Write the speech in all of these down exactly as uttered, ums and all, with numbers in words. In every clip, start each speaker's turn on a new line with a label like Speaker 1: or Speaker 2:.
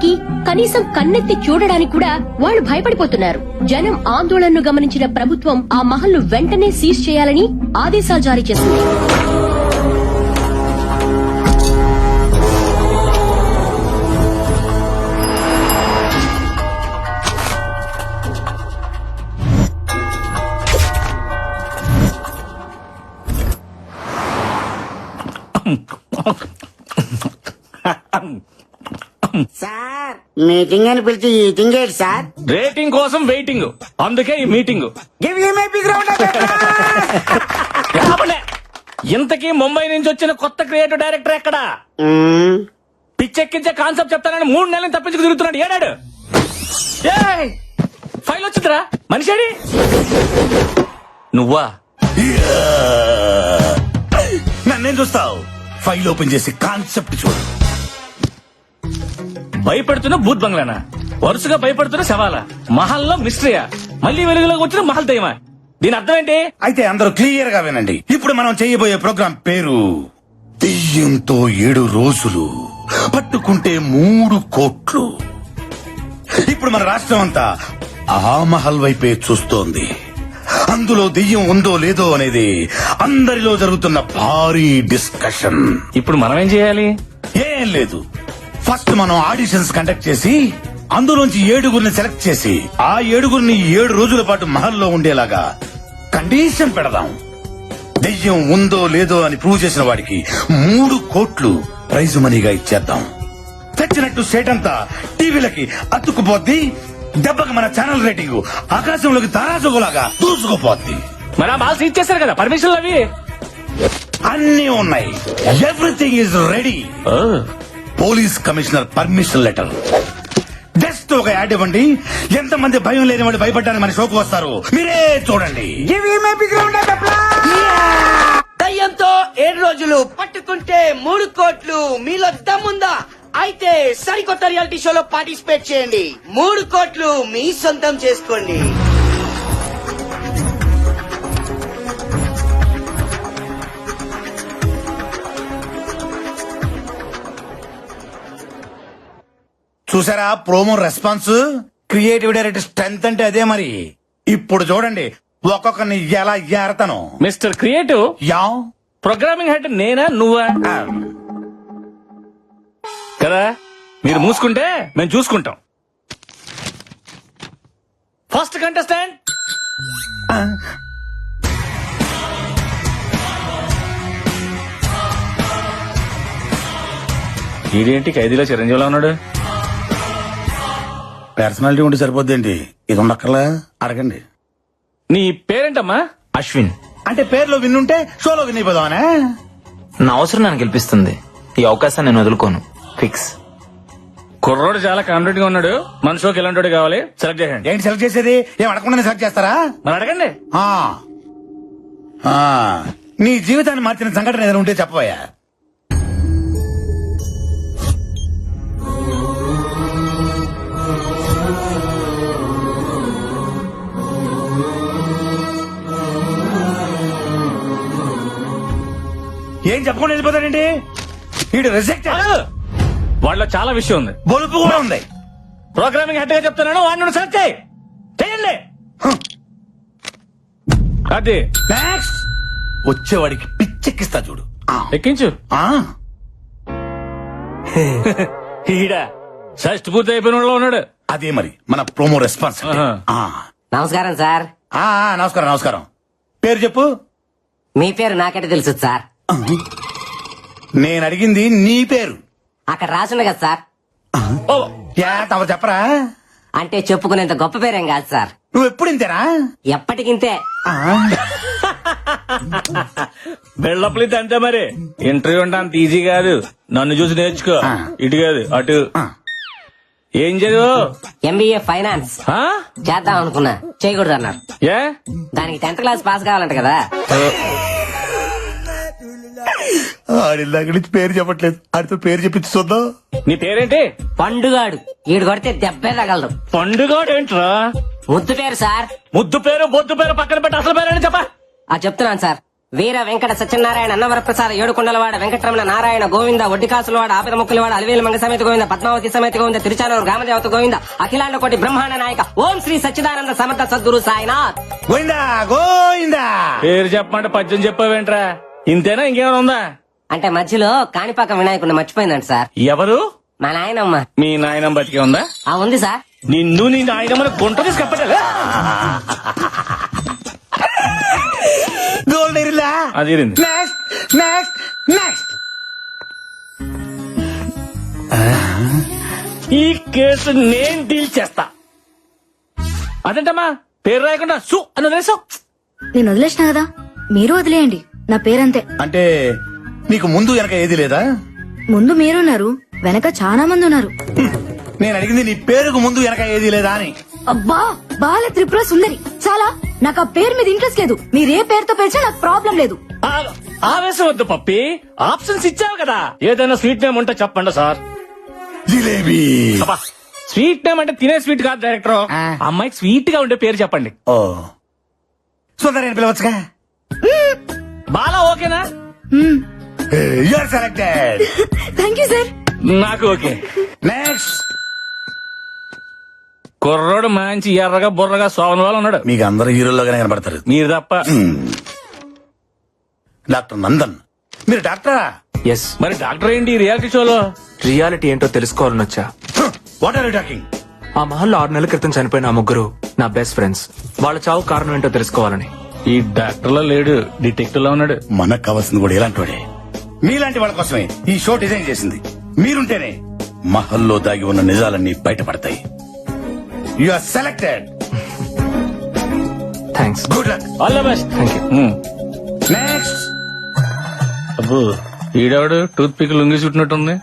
Speaker 1: మాట్లాడడానికి, కనీసం కన్నెత్తి చూడడానికి కూడా వాళ్ళు భయపడిపోతున్నారు. జనం ఆందోళనను గమనించిన ప్రభుత్వం ఆ మహల్ ను వెంటనే సీజ్ చేయాలని ఆదేశాలు జారీ చేసింది.
Speaker 2: సార్ మీటింగ్ అని పిలిచి ఈటింగ్ ఏంటి సార్?
Speaker 3: రేటింగ్ కోసం వెయిటింగ్, అందుకే ఈ meeting.
Speaker 2: Give you my big round of
Speaker 3: రాబలే. ఇంతకీ ముంబై నుంచి వచ్చిన కొత్త క్రియేటివ్ డైరెక్టర్ ఎక్కడా? పిచ్చెక్కించే కాన్సెప్ట్ చెప్తానని మూడు నెలలు తప్పించుకు తిరుగుతున్నాడు. ఏడాడు ఏయ్, ఫైల్ వచ్చిందిరా. మనిషి నువ్వా?
Speaker 4: నన్నేం చూస్తావు? ఫైల్ ఓపెన్ చేసి కాన్సెప్ట్ చూడు.
Speaker 3: భయపెడుతున్న భూత్ బంగ్లానా? వరుసగా భయపడుతున్న శవాలా? మహల్లో మిస్టరీయా? మళ్ళీ వెలుగులోకి వచ్చిన మహల్ దయ్యమా? దీని అర్థం ఏంటి?
Speaker 4: అయితే అందరూ క్లియర్ గా వినండి. ఇప్పుడు మనం చేయబోయే ప్రోగ్రాం పేరు దెయ్యంతో ఏడు రోజులు, పట్టుకుంటే మూడు కోట్లు. ఇప్పుడు మన రాష్ట్రం అంతా ఆ మహల్ వైపే చూస్తోంది. అందులో దెయ్యం ఉందో లేదో అనేది అందరిలో జరుగుతున్న భారీ డిస్కషన్.
Speaker 3: ఇప్పుడు మనం ఏం చేయాలి?
Speaker 4: ఏం లేదు, ఫస్ట్ మనం ఆడిషన్స్ కండక్ట్ చేసి అందులోంచి ఏడుగురిని సెలెక్ట్ చేసి ఆ ఏడుగురిని ఏడు రోజుల పాటు మహల్లో ఉండేలాగా కండిషన్ పెడదాం. దెయ్యం ఉందో లేదో అని ప్రూవ్ చేసిన వాడికి మూడు కోట్లు ప్రైజ్ మనీగా ఇచ్చేద్దాం. తెచ్చినట్టు స్టేట్ అంతా టీవీలకి అతుక్కుపోద్ది. దెబ్బకి మన ఛానల్ రేటింగ్ ఆకాశంలోకి తారాజుగులాగా దూసుకుపోద్ది.
Speaker 3: మరి ఆ మాల్స్ ఇచ్చేసారు కదా పర్మిషన్లు అవి
Speaker 4: అన్నీ ఉన్నాయి. Everything is ready. Police commissioner permission letter. Just ఒక యాడ్ ఇవ్వండి. ఎంతమంది భయం లేని వాడు భయపడ్డానికి మన షోకు వస్తారు. మీరే చూడండి.
Speaker 2: Give you my big round of
Speaker 5: దయ్యంతో ఏడు రోజులు, పట్టుకుంటే మూడు కోట్లు. మీలో దమ్ముందా? అయితే సరికొత్త రియాలిటీ షోలో పార్టిసిపేట్ చేయండి. మూడు కోట్లు మీ సొంతం చేసుకోండి.
Speaker 4: చూసారా promo response? Creative director strength అంటే అదే మరి. ఇప్పుడు చూడండి ఒక్కొక్కరిని ఎలా ఏరతను.
Speaker 3: Mr creative,
Speaker 4: yeah
Speaker 3: programming head నేనా నువ్వా? కదా, మీరు మూసుకుంటే మేము చూసుకుంటాం. ఫస్ట్ కంటెస్టెంట్ ఇదేంటి ఖైదీలో చిరంజీవిలో ఉన్నాడు?
Speaker 4: పర్సనాలిటీ ఉంటే సరిపోద్దేంటి? ఇది ఉండక్కర్లా? అడగండి.
Speaker 3: నీ పేరేంటమ్మా?
Speaker 6: అశ్విన్.
Speaker 4: అంటే పేరులో విన్నుంటే షోలో విన్ అయిపోదామనే.
Speaker 6: నా అవసరం నన్ను గెలిపిస్తుంది. ఈ అవకాశాన్ని నేను వదులుకోను. ఫిక్స్.
Speaker 3: కుర్రోడు చాలా కాన్ఫిడెంట్ గా ఉన్నాడు. మన షోకి ఎలాంటి కావాలి సెలెక్ట్ చేయండి.
Speaker 4: ఏంటి సెలెక్ట్ చేసేది? ఏం అడగకుండా సెలెక్ట్ చేస్తారా?
Speaker 3: మరి అడగండి.
Speaker 4: ఆ. ఆ. నీ జీవితాన్ని మార్చిన సంఘటన ఏదైనా ఉంటే చెప్పబోయా. ఏం చెప్పకుండా వెళ్ళిపోతాడండి వీడు? రిజెక్ట్.
Speaker 3: వాళ్ళలో చాలా విషయం ఉంది.
Speaker 4: బొలుపు కూడా ఉంది.
Speaker 3: ప్రోగ్రామింగ్ హెడ్ గా చెప్తున్నాను, వాడిని సెలెక్ట్ చేయి. చేయండి. అది
Speaker 4: నెక్స్ట్ వచ్చేవాడికి పిచ్చెక్కిస్తా చూడు. ఆ.
Speaker 3: ఎక్కించు.
Speaker 4: ఆ.
Speaker 3: ఈడ షష్ట్ పూర్తి అయిపోయిన వాళ్ళలో ఉన్నాడు.
Speaker 4: అదే మరి మన ప్రోమో రెస్పాన్స్.
Speaker 3: ఆహా.
Speaker 4: ఆ.
Speaker 2: నమస్కారం సార్.
Speaker 4: ఆ, ఆ, నమస్కారం నమస్కారం. పేరు చెప్పు.
Speaker 2: మీ పేరు నాకంటే తెలుసు సార్.
Speaker 4: నేను అడిగింది నీ పేరు.
Speaker 2: అక్కడ రాసుంది కదా సార్.
Speaker 3: ఓ,
Speaker 4: యా, తమరు చెప్పరా?
Speaker 2: అంటే చెప్పుకునేంత గొప్ప పేరేం కాదు సార్.
Speaker 4: నువ్వు ఎప్పుడు ఇంతేనా?
Speaker 2: ఎప్పటికింతే.
Speaker 4: ఆ.
Speaker 3: బిల్డప్లు ఇది అంతే మరి. ఇంటర్వ్యూ అంటే అంత ఈజీ కాదు. నన్ను చూసి నేర్చుకో.
Speaker 4: ఆ.
Speaker 3: ఇటు కాదు అటు.
Speaker 4: ఆ.
Speaker 3: ఏం చదువు?
Speaker 2: ఎంబీఏ ఫైనాన్స్
Speaker 3: ఆ?
Speaker 2: చేద్దాం అనుకున్నా, చేయకూడదు అన్నారు.
Speaker 3: ఏ?
Speaker 2: దానికి టెన్త్ క్లాస్ పాస్ కావాలంట కదా.
Speaker 4: ఆడిల్లాక నుంచి పేరు చెప్పట్లేదు. ఆడితో పేరు చెప్పించి చూద్దాం.
Speaker 3: నీ పేరేంటి?
Speaker 2: పండుగాడు. ఈడు కొడితే దెబ్బే తగలదు.
Speaker 3: పండుగ ఏంట్రా?
Speaker 2: ముద్దు పేరు సార్.
Speaker 3: ముద్దు పేరు బొద్దు పేరు పక్కన పెట్టి అసలు పేరేంటి చెప్పా.
Speaker 2: ఆ చెప్తున్నాను సార్.
Speaker 7: వీర వెంకట సత్యనారాయణ అన్నవరప్రసాద ఏడుకొండలవాడ వెంకటరమణ నారాయణ గోవింద ఒడ్డికాసులవాడ ఆపిద ముక్కులవాడ అలివేలు మంగ సమేత గోవింద పద్మావతి సమేత గోవింద తిరుచానూరు గ్రామదేవత గోవింద అఖిలాండ కోటి బ్రహ్మాండ నాయక ఓం శ్రీ సచ్చిదానంద సమర్థ సద్గురు సాయినాథ్.
Speaker 4: గోయిందా గోయిందా.
Speaker 3: పేరు చెప్పమంటే పద్యం చెప్పావేంట్రా? ఇంతేనా ఇంకేమైనా ఉందా?
Speaker 7: అంటే మధ్యలో కాణిపాక వినాయకుడిని మర్చిపోయిందంట సార్.
Speaker 3: ఎవరు?
Speaker 7: మా నాయనమ్మ.
Speaker 3: మీ నాయనం బతికే ఉందా?
Speaker 7: ఆ ఉంది సార్.
Speaker 3: నిన్ను నీ నాయనమ్మని గుంట తీసి కప్పటలే.
Speaker 4: గోల్డ్ ఎరిలా.
Speaker 3: అది ఎరింది.
Speaker 4: Next next next.
Speaker 3: ఈ కేసు నేను డీల్ చేస్తా. అదేంటమ్మా పేరు రాయకుండా సు అని వదిలేసావు?
Speaker 8: నేను వదిలేసిన కదా, మీరు వదిలేయండి. నా పేరంతే.
Speaker 4: అంటే నీకు ముందు వెనక ఏది లేదా?
Speaker 8: ముందు మీరున్నారు, వెనక చాలా మంది ఉన్నారు.
Speaker 4: నేను అడిగింది నీ పేరుకు ముందు వెనక ఏది లేదా అని.
Speaker 8: అబ్బా, బాల త్రిపుర సుందరి. చాలా, నాకు ఆ పేరు మీద ఇంట్రెస్ట్ లేదు. మీరే పేరుతో పిలిచినా నాకు ప్రాబ్లం లేదు.
Speaker 3: ఆ- ఆవేశం వద్దు పప్పి, ఆప్షన్స్ ఇచ్చావు కదా. ఏదైనా స్వీట్ నేమ్ ఉంటే చెప్పండి సార్.
Speaker 4: జిలేబీ.
Speaker 3: అబ్బా, స్వీట్ నేమ్ అంటే తినే స్వీట్ కాదు డైరెక్టర్.
Speaker 4: ఆ.
Speaker 3: అమ్మాయికి స్వీట్ గా ఉండే పేరు చెప్పండి.
Speaker 4: ఓ సుందరి అని పిలవచ్చుగా.
Speaker 3: బాలా ఓకేనా?
Speaker 4: You're selected.
Speaker 8: Thank you sir.
Speaker 3: నాకు ఓకే.
Speaker 4: నెక్స్ట్.
Speaker 3: కుర్రోడు మంచి ఎర్రగా బుర్రగా సోమన్ వాళ్ళు ఉన్నాడు.
Speaker 4: మీకు అందరు హీరోలుగానే కనబడతారు.
Speaker 3: మీరు తప్ప.
Speaker 4: డాక్టర్ నందన్. మీరు డాక్టరా?
Speaker 6: ఎస్.
Speaker 3: మరి డాక్టర్ ఏంటి రియాలిటీ షోలో?
Speaker 6: రియాలిటీ ఏంటో తెలుసుకోవాలని వచ్చా.
Speaker 4: What are you talking?
Speaker 6: ఆ మహల్లో ఆరు నెలల క్రితం చనిపోయిన ఆ ముగ్గురు నా బెస్ట్ ఫ్రెండ్స్. వాళ్ళ చావు కారణం ఏంటో తెలుసుకోవాలని.
Speaker 3: ఈ డాక్టర్ లో లేడు, డిటెక్టివ్ లో ఉన్నాడు.
Speaker 4: మనకు కావాల్సింది కూడా ఇలాంటి వాడే. మీలాంటి వాళ్ళ కోసమే ఈ షో డిజైన్ చేసింది. మీరుంటేనే మహల్లో దాగి ఉన్న నిజాలన్నీ బయటపడతాయి. You are selected.
Speaker 6: Thanks.
Speaker 4: Good luck.
Speaker 3: All the best.
Speaker 6: Thank you.
Speaker 4: Next.
Speaker 3: అబ్బో, ఈడవాడు టూత్ పిక్ లొంగి చుట్టినట్టుంది.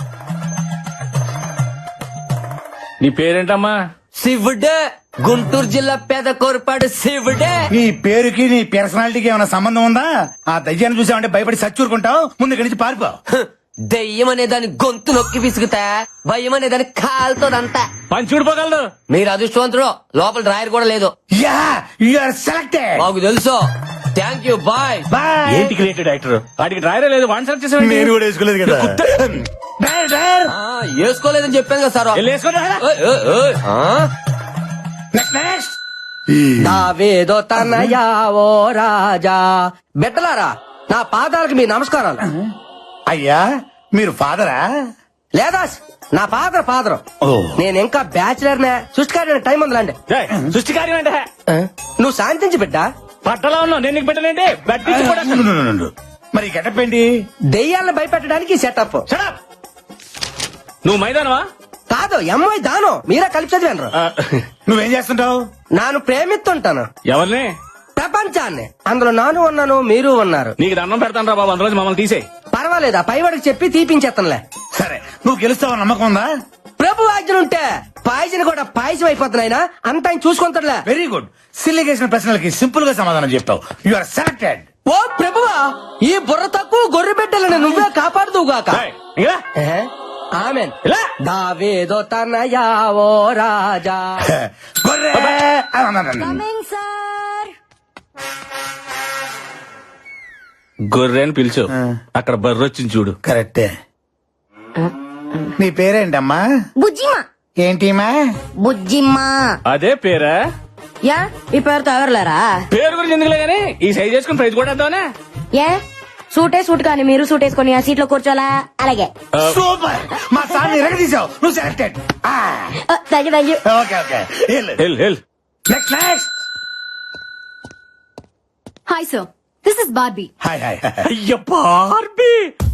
Speaker 3: నీ పేరేంటమ్మా?
Speaker 5: శివుడే, గుంటూరు జిల్లా పేద కోరపాడు శివుడే.
Speaker 4: నీ పేరుకి నీ పర్సనాలిటీకి ఏమైనా సంబంధం ఉందా? ఆ దయ్యాన్ని చూసామంటే భయపడి సచ్చూరుకుంటావు. ముందు ఇక్కడి నుంచి పారిపో.
Speaker 5: దెయ్యం అనే దాని గొంతు నొక్కి విసుగుతా, భయం అనే దాని కాలుతోదంతా.
Speaker 3: పని చూడిపోగలదు.
Speaker 5: మీరు అదృష్టవంతుడు, లోపల డ్రాయర్ కూడా లేదు.
Speaker 4: Yeah, you are selected.
Speaker 5: మాకు తెలుసు. Thank you, bye.
Speaker 4: బాయ్.
Speaker 3: ఏంటి క్రియేటెడ్ యాక్టర్? వాడికి డ్రైవరే లేదు, వన్ సెలెక్ట్ చేసాడు.
Speaker 4: నేను కూడా వేసుకోలేదు కదా. Driver, driver.
Speaker 5: ఆ, వేసుకోలేదని చెప్పాను కదా సార్. ఓయ్, ఓయ్, ఓయ్. ఆ?
Speaker 4: Next next.
Speaker 5: దావేదో తనయా ఓ రాజా. బిడ్డలారా, నా పాదాలకు మీ నమస్కారాలు.
Speaker 4: అయ్యా, మీరు ఫాదరా?
Speaker 5: లేదా నా పాత్ర పాత్రం.
Speaker 4: ఓ.
Speaker 5: నేను ఇంకా బ్యాచులర్ నే. సృష్టికారి టైం ఉందిలాండి.
Speaker 3: సృష్టి కార్యం అంటే
Speaker 5: నువ్వు శాంతించి బిడ్డ.
Speaker 3: పట్టలో ఉన్నావు, నేను నీకు పెట్టలేంటి? బట్టి కూడా
Speaker 4: ఉండు, ఉండు, ఉండు, ఉండు. మరి ఈ గెటప్ ఏంటి?
Speaker 5: దెయ్యాలను భయపెట్టడానికి సెటప్.
Speaker 3: Shut up! నువ్వు మైదానవా?
Speaker 5: కాదు, ఎంఐ దాను. మీరే కలిపి చదివాను.
Speaker 3: ఆ,
Speaker 4: నువ్వేం చేస్తుంటావు?
Speaker 5: నాను ప్రేమిస్తుంటాను
Speaker 3: ఎవరిని?
Speaker 5: ప్రపంచాన్ని. అందులో నాను ఉన్నాను, మీరు ఉన్నారు.
Speaker 3: నీకు దండం పెడతాను రా బాబు, అందులో మమ్మల్ని తీసేయి.
Speaker 5: పర్వాలేదు, ఆ పైవాడికి చెప్పి తీపించేస్తానులే.
Speaker 4: సరే, నువ్వు గెలుస్తావని నమ్మకం ఉందా?
Speaker 5: ప్రభు ఆజ్ఞలుంటే పాయసం కూడా పాయసం అయిపోతున్నాయినా అంత ఆయన చూసుకుంటాడులే.
Speaker 4: Very good. సిల్లి చేసిన ప్రశ్నలకి సింపుల్ గా సమాధానం చెప్తావు. You are selected.
Speaker 5: ఓ ప్రభువా, ఈ బుర్ర తక్కువ గొర్రె బిడ్డలను నువ్వే కాపాడుదువుగాక.
Speaker 3: ఏయ్, ఇంకా రా.
Speaker 5: ఆమెన్.
Speaker 3: ఇలా.
Speaker 5: దావేదో తనయా ఓ రాజా.
Speaker 4: గొర్రె.
Speaker 8: సార్,
Speaker 3: గొర్రె అని పిలిచు, అక్కడ బర్రె వచ్చింది చూడు.
Speaker 4: కరెక్టే. నీ పేరేంటమ్మా?
Speaker 8: బుజ్జిమా.
Speaker 4: ఏంటిమా?
Speaker 8: బుజ్జిమ్మా.
Speaker 3: అదే పేరా?
Speaker 8: యా, ఈ పేరుతో ఎవరులేరా?
Speaker 3: పేరు గురించి ఎందుకులే గానీ ఈ సైజ్ చేసుకుని ప్రైజ్ కూడా వేద్దామనే.
Speaker 8: ఏ సూటే సూట్ కానీ మీరు సూట్ వేసుకొని ఆ సీట్ లో కూర్చోలా? అలాగే.
Speaker 4: సూపర్. మా సార్ ఎరగదీసావు. నువ్వు selected.
Speaker 8: Thank you, thank you.
Speaker 4: Okay okay.
Speaker 3: Hell hell
Speaker 4: next next.
Speaker 8: Hi sir, this is Barbie.
Speaker 4: Hi hi.
Speaker 3: అయ్య బార్బీ.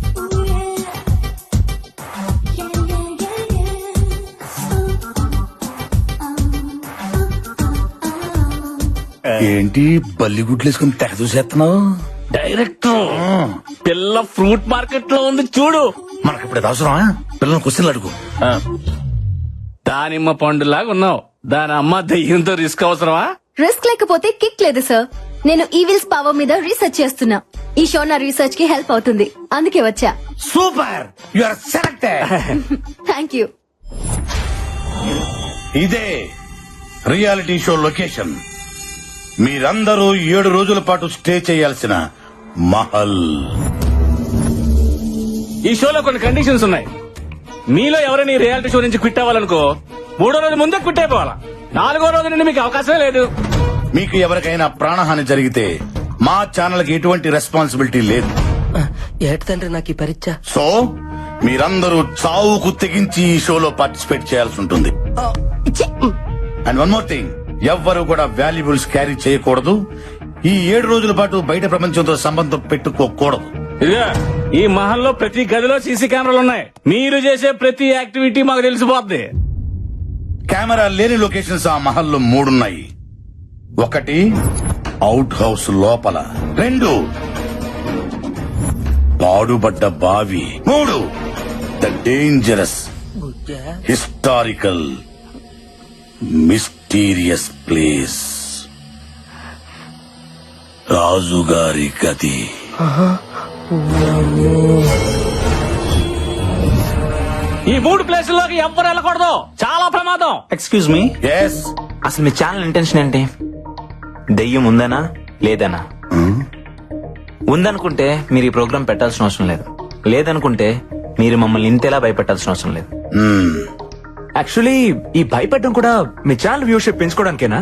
Speaker 4: ఏంటి బల్లి గుడ్లు వేసుకుని తెగ చూసేస్తున్నావు?
Speaker 3: డైరెక్టర్, పిల్ల ఫ్రూట్ మార్కెట్ లో ఉంది చూడు.
Speaker 4: మనకి ఇప్పుడు అది అవసరమా? పిల్లలు క్వశ్చన్లు అడుగు.
Speaker 3: ఆ. దానిమ్మ పండులాగా ఉన్నావు, దాని అమ్మ దయ్యంతో రిస్క్ అవసరమా?
Speaker 8: రిస్క్ లేకపోతే కిక్ లేదు సార్. నేను ఈవిల్స్ పవర్ మీద రీసెర్చ్ చేస్తున్నా. ఈ షో నా రీసెర్చ్ కి హెల్ప్ అవుతుంది, అందుకే వచ్చా.
Speaker 4: Super. You are selected.
Speaker 8: Thank you.
Speaker 4: ఇదే రియాలిటీ షో లొకేషన్. మీరందరూ ఏడు రోజుల పాటు స్టే చేయాల్సిన మహల్.
Speaker 3: ఈ షోలో కొన్ని కండిషన్స్ ఉన్నాయి. మీలో ఎవరైనా ఈ రియాలిటీ షో నుంచి క్విట్ అవ్వాలనుకో మూడో రోజు ముందే క్విట్ అయిపోవాలా. నాలుగో రోజు నుండి మీకు అవకాశమే లేదు.
Speaker 4: మీకు ఎవరికైనా ప్రాణహాని జరిగితే మా ఛానల్ కి ఎటువంటి రెస్పాన్సిబిలిటీ లేదు.
Speaker 7: ఏటి తండ్రి నాకు ఈ పరీక్ష.
Speaker 4: సో మీరందరూ చావుకు తెగించి ఈ షోలో పార్టిసిపేట్ చేయాల్సి ఉంటుంది. అండ్ వన్ మోర్ థింగ్, ఎవ్వరు కూడా వాల్యుబుల్స్ క్యారీ చేయకూడదు. ఈ ఏడు రోజుల పాటు బయట ప్రపంచంతో సంబంధం పెట్టుకోకూడదు.
Speaker 3: ఇదిగా ఈ మహల్లో ప్రతి గదిలో సీసీ కెమెరాలు ఉన్నాయి. మీరు చేసే ప్రతి యాక్టివిటీ మాకు తెలిసిపోద్ది.
Speaker 4: కెమెరా లేని లొకేషన్స్ ఆ మహల్లో మూడున్నాయి. ఒకటి అవుట్ హౌస్ లోపల, రెండు పాడుబడ్డ బావి, మూడు the dangerous historical mysterious place రాజుగారి గది.
Speaker 3: ఈ మూడు ప్లేసుల్లోకి ఎవ్వరు వెళ్ళకూడదు. చాలా ప్రమాదం.
Speaker 6: ఎక్స్క్యూజ్ మీ,
Speaker 4: ఎస్
Speaker 6: అసలు మీ ఛానల్ ఇంటెన్షన్ ఏంటి? దెయ్యం ఉందనా లేదనా? ఉందనుకుంటే మీరు ఈ ప్రోగ్రామ్ పెట్టాల్సిన అవసరం లేదు. లేదనుకుంటే మీరు మమ్మల్ని ఇంతేలా భయపెట్టాల్సిన అవసరం లేదు. యాక్చువల్లీ ఈ భయపెట్టడం కూడా మీ ఛానల్ వ్యూషిప్ పెంచుకోవడానికేనా?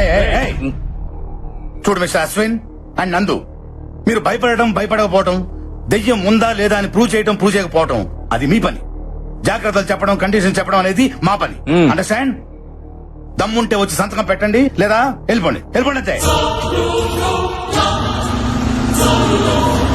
Speaker 4: చూడు మిస్టర్ అశ్విన్ అండ్ నందు, మీరు భయపడటం భయపడకపోవటం, దెయ్యం ఉందా లేదా అని ప్రూవ్ చేయటం ప్రూవ్ చేయకపోవటం అది మీ పని. జాగ్రత్తలు చెప్పడం, కండిషన్ చెప్పడం అనేది మా పని.
Speaker 3: Hmm.
Speaker 4: అండర్స్టాండ్? దమ్ముంటే వచ్చి సంతకం పెట్టండి, లేదా వెళ్ళిపోండి. వెళ్ళిపోండి అంతే.